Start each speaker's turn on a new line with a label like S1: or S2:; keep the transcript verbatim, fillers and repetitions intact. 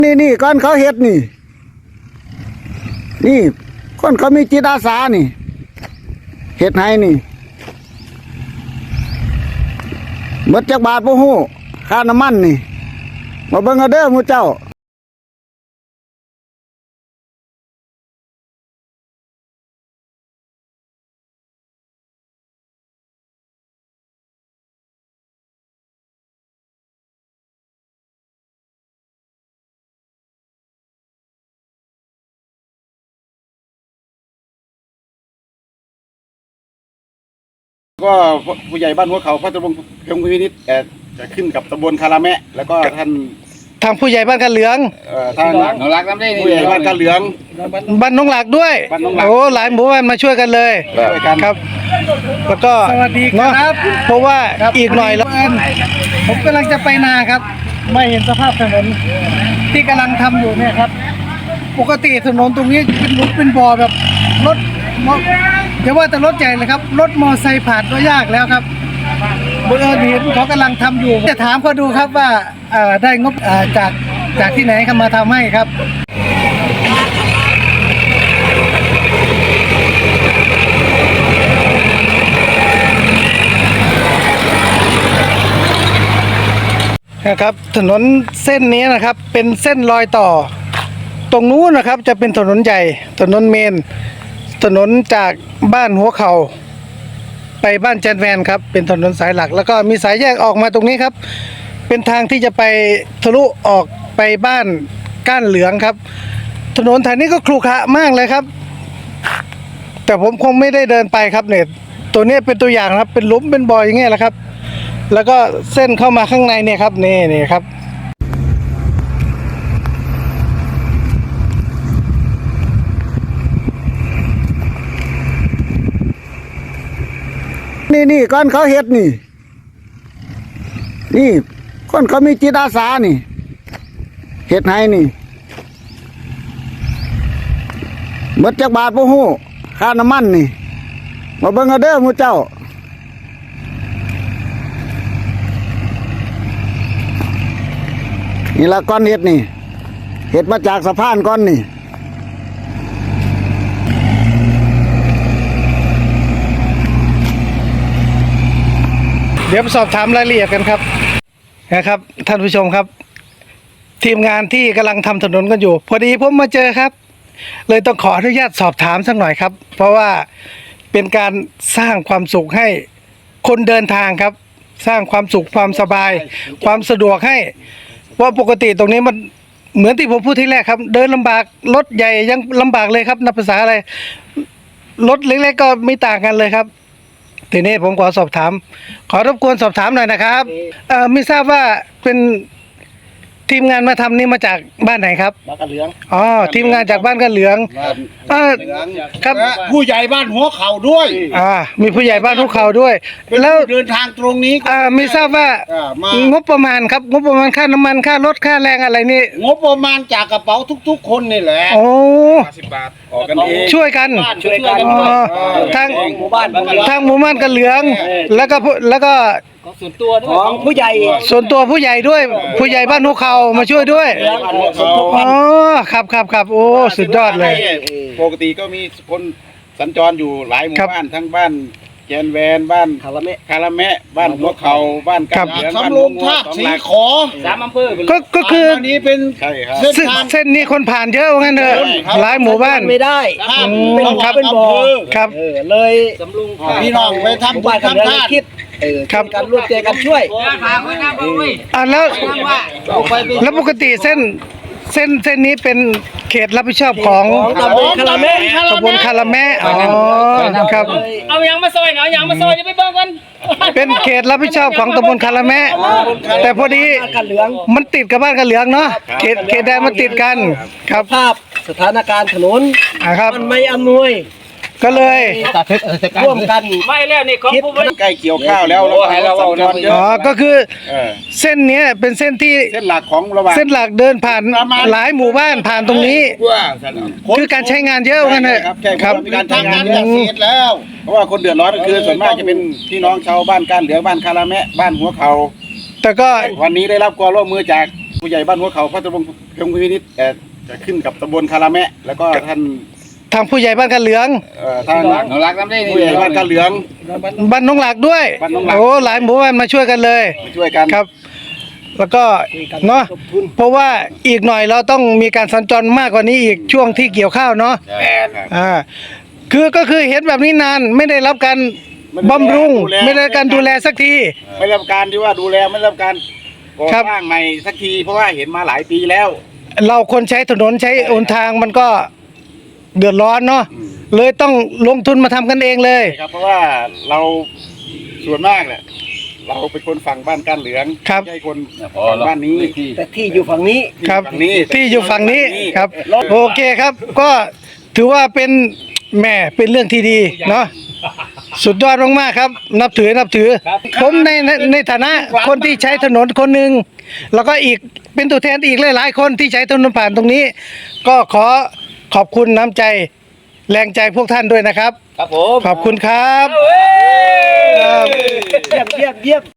S1: นี่นี่ก้อนเขาเฮ็ดนี่นี่ก้อนเขามีจิตอาสานี่เฮ็ดให้นี่หมดจักบาทบ่ฮู้ค่าน้ำมันนี่มาเบิ่งเอาเด้อหมู่เจ้า
S2: ก็ผู้ใหญ่บ้านหัวเขาพระตำบลเพียงวินิจจะขึ้นกับตำบลคาราแมะแล้วก็ท่าน
S3: ทางผู้ใหญ่บ้านกันเหลือง
S2: เอ่อท่านน้องรักน้ำได้ผู้ใหญ่บ้านกันเหลือง
S3: บ้านน้องหลักด้วย
S2: บ้านน้องหลัก
S3: โอ้หลายหมู่บ้านมาช่วยกันเลย
S2: ช่วยกัน
S3: ครับ แล้วก็
S4: สวัสดีครับ
S3: เนอะเพราะว่าอีกหน่อยแล้ว
S4: ผมกำลังจะไปนาครับไม่เห็นสภาพถนนที่กำลังทำอยู่เนี่ยครับ ปกติถนนตรงนี้เป็นหลุมเป็นบ่อแบบรถมออย่าว่าแต่รถใหญ่เลยครับรถมอไซค์ผ่านก็ยากแล้วครับบังเอิญเห็นเขากำลังทำอยู่จะถามเขาดูครับว่าเอ่อได้งบเอ่อจากจากที่ไหนเขามาทำให้ครับ
S3: นะครับถนนเส้นนี้นะครับเป็นเส้นรอยต่อ ตรงนู้นนะครับจะเป็นถนนใหญ่ถนนเมนถนนจากบ้านหัวเขาไปบ้านแจนแวนครับเป็นถนนสายหลักแล้วก็มีสายแยกออกมาตรงนี้ครับเป็นทางที่จะไปทะลุออกไปบ้านก้านเหลืองครับถนนแถวนี้ก็ครุขระมากเลยครับแต่ผมคงไม่ได้เดินไปครับเนี่ยตัวนี้เป็นตัวอย่างครับเป็นหลุมเป็นบ่ออย่างเงี้ยแหละครับแล้วก็เส้นเข้ามาข้างในเนี่ยครับนี่นี่ครับ
S1: นี่นี่ก้อนเขาเฮ็ดนี่นี่ก้อนเขามีจิตอาสานี่เฮ็ดให้นี่หมดจักบาทบ่ฮู้ค่าน้ำมันนี่มาเบิ่งเอาเด้อหมู่เจ้านี่ละก้อนเฮ็ดนี่เฮ็ดมาจากสะพานก้อนนี่
S3: เดี๋ยวไปสอบถามรายละเอียดกันครับนะครับท่านผู้ชมครับ ทีมงานที่กำลังทำถนนกันอยู่ พอดีผมมาเจอครับ เลยต้องขออนุญาตสอบถามสักหน่อยครับ เพราะว่าเป็นการสร้างความสุขให้คนเดินทางครับ สร้างความสุขความสบาย ความสะดวกให้ว่าปกติตรงนี้มันเหมือนที่ผมพูดที่แรกครับ เดินลำบากรถใหญ่ยังลำบากเลยครับนับภาษาอะไรรถเล็กๆก็ไม่ต่างกันเลยครับทีนี้ผมขอสอบถามขอรบกวนสอบถามหน่อยนะครับเอ่อไม่ทราบว่าเป็นทีมงานมาทำนี่มาจากบ้านไหนครับ
S2: บ้านกันเหลือง
S3: อ๋อทีมงานจากบ้านกันเหลืองเออครับ
S2: ผู้ใหญ่บ้านหัวเขาด้วย
S3: อ่ามีผู้ใหญ่บ้านทุกเขาด้วย แล้ว
S2: เดินทางตรงนี้
S3: อ่าไม่ทราบว่า
S2: อ่ามาง
S3: บประมาณครับงบประมาณค่าน้ำมันค่ารถค่าแรงอะไรนี่
S2: งบประมาณจากกระเป๋าทุกๆคนนี่แหละ
S3: โอ้
S2: สิบบาทออกกันเอง
S3: ช่วยกัน
S2: ช่วยกัน
S3: อ๋อทาง
S2: หมู่บ้าน
S3: ทางหมู่บ้านกันเหลือง แล้วก็ผู้แล้วก็
S4: ของผู้ใหญ่
S3: ส่วนตัวผู้ใหญ่ด้วย ผู้ใหญ่บ้านทุกเขามาช่วยด้วยอ๋อครับครับครับโอ้สุดยอดเลย
S2: ปกติก็มีคนสัญจรอยู่หลายหมู่
S3: ครับ
S2: บ้านทั้งบ้านแจนแวนบ้านคาราเมะคาราเมะบ้านหัวเขาบ้านกันเหลืองบ้านลงท่าสีขอสามอำเภอ
S3: ก็ก็คือ
S2: อันนี้เป็นใช่ครับ
S3: เส้นเส้นนี้คนผ่านเยอะว่างั้นเถอะหลายหมู่บ้าน
S4: ไม่ได้
S2: ข้าม
S3: อืมครับ
S4: เป็นบ่อ
S3: ครับ
S4: เออเลยสำลุง
S2: พี่น้องไปทำบุญทำทาน
S4: คิดเออ
S3: ครับ
S4: กันร่วมใจกันช่วย
S3: อ่าแล้วแล้วปกติเส้นเส้นเส้นนี้เป็นเขตรับผิดชอบของ
S4: ตำบลคาราเมะ
S3: ตำบลคาราแมะอ๋อครับ
S5: เอายังมาซอยเนาะยังมาซอยจะไปเบิ่งกัน
S3: เป็นเขตรับผิดชอบของตำบลคาราแมะแต่พอดี
S4: กันเหลือง
S3: มันติดกับบ้านกันเหลืองเนาะเขตเขตแดนมันติดกันครับ
S4: ภาพสถานการณ์ถนน
S3: อ่าครับ
S4: มันไม่อำนวย
S3: ก็เลย
S4: ร่วมกัน
S5: ไม่แล้วนี่ของผู้บริ
S2: ใกล้เกี่ยวข้าวแล้วเราให้เราสัญจรเย
S3: อ๋อ
S2: อะ
S3: ก็คือ
S2: เออ
S3: เส้นเนี้ยเป็นเส้นที่
S2: เส้นหลักของระหว่าง
S3: เส้นหลักเดินผ่านหลายหมู่บ้านผ่านตรงนี้ คือการใช้งานเยอะว่างั้นเถอะ
S2: ครับใช่
S3: ค
S2: ค
S3: รั
S2: รับ บมีการทำงานเกษตรแล้ว เพราะว่าคนเดือดร้อนก็คือส่วนมากจะเป็นพี่น้องชาวบ้านก้านเหลืองบ้านคาราแมะบ้านหัวเขา
S3: แต่ก็
S2: วันนี้ได้รับความร่วมมือจากผู้ใหญ่บ้านหัวเขาพระตำบลเพียงพินิจเอ่อจะขึ้นกับตำบลคาราแมะแล้วก็ท่าน
S3: ทางผู้ใหญ่บ้านกันเหลือง
S2: เอ่อท่านรักน้ำได้ผู้ใหญ่บ้านกาเหลือง
S3: บ้านน้องหลักด้วย
S2: บ้านน้องหลัก
S3: โอ้หลายหมู่บ้านมาช่วยกันเลย
S2: มาช่วยกัน
S3: ครับ แล้วก็เนาะเพราะว่าอีกหน่อยเราต้องมีการสัญจรมากกว่านี้อีกช่วงที่เกี่ยวข้าวเนาะ
S2: ครับ
S3: อ่าคือก็คือเห็นแบบนี้นานไม่ได้รับการบำรุงไม่ได้รับการดูแลสักที
S2: ไม่รับการที่ว่าดูแลไม่รับการก่อ
S3: ครับ
S2: สร้างใหม่สักทีเพราะว่าเห็นมาหลายปีแล้ว
S3: เราคนใช้ถนนใช้หนทางมันก็เดือดร้อนเนาะเลยต้องลงทุนมาทำกันเองเลย
S2: ครับเพราะว่าเราส่วนมากเนี่ยเราเป็นคนฝั่งบ้านก้านเหลือง
S3: ครับ
S2: ไม่ใช่คนฝั่งบ้านนี้
S4: แต่ที่อยู่ฝั่งนี้
S3: ครับ
S2: ฝั่งนี้
S3: ที่อยู่ฝั่งนี้
S2: ฝั่งนี้
S3: ครับ โอเคครับ ก็ถือว่าเป็นแหม่เป็นเรื่องที่ดีเนาะสุดยอดมากๆครับ นับถือนับถือ ผมในในในฐานะคนที่ใช้ถนนคนหนึ่งแล้วก็อีกเป็นตัวแทนอีกหลายๆคนที่ใช้ถนนผ่านตรงนี้ ก็ขอขอบคุณน้ำใจแรงใจพวกท่านด้วยนะครับ
S5: ครับผม
S3: ขอบคุณครับ
S5: เว้ย
S3: ครับ
S4: เยี่ยมเยี่ยมเยี่ยม